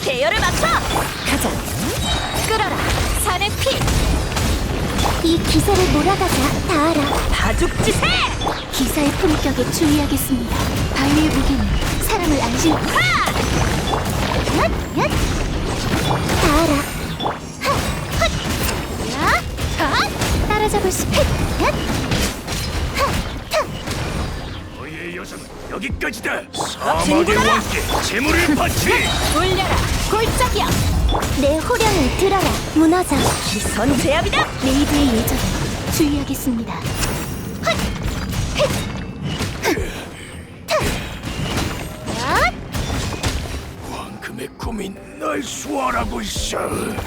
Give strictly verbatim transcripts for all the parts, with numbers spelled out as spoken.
계열을 맞춰! 가자! 끌어라! 산의 피! 이 기세를 몰아가자. 다 알아. 다죽지세! 기사의 품격에 주의하겠습니다. 바위의 무게는 사람을 안심. 하! 얏! 얏! 다 알아. 하! 헛! 야! 하! 따라잡을 수. 헷! 얏! 하! 타! 너의 여정은 여기까지다. 진군하라! 사막의 왕께 재물을 바치. 돌려라! 골짜기야! 내 호령을 들어라. 무너져. 기선 제압이다! 레이드의 예절에 주의하겠습니다. 헛! 헷! 흑! 타! 얏! 황금의 꿈이 날 수월하고 있어.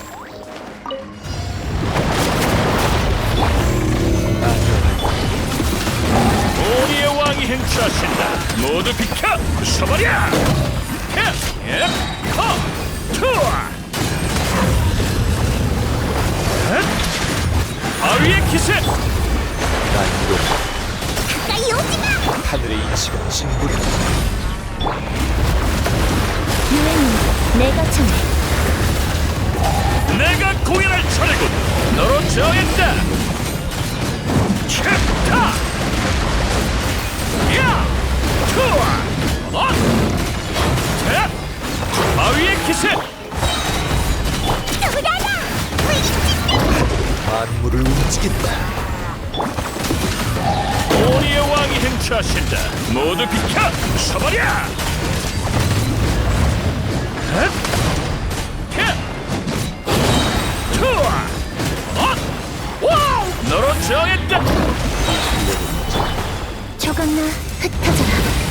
우리의 왕이 행차하신다. 모두 비켜! 부숴버려! 야! 야! 커! 투어! 바위의 기세! 가까이 오지 마! 하늘의 이치가 진부리다. 유행은 내가 정해. 내가 공연할 차례군! 너로 정했다! 캡타! 야! 투어! 어! 탭! 바위의 기세! 돌아라! 만물을 움직인다. 우리의 왕이 행차하신다. 모두 비켜! 부숴버려! 탭! 캡! 투어! 어! 와우! 너로 정했다! 조각나 흩어져라.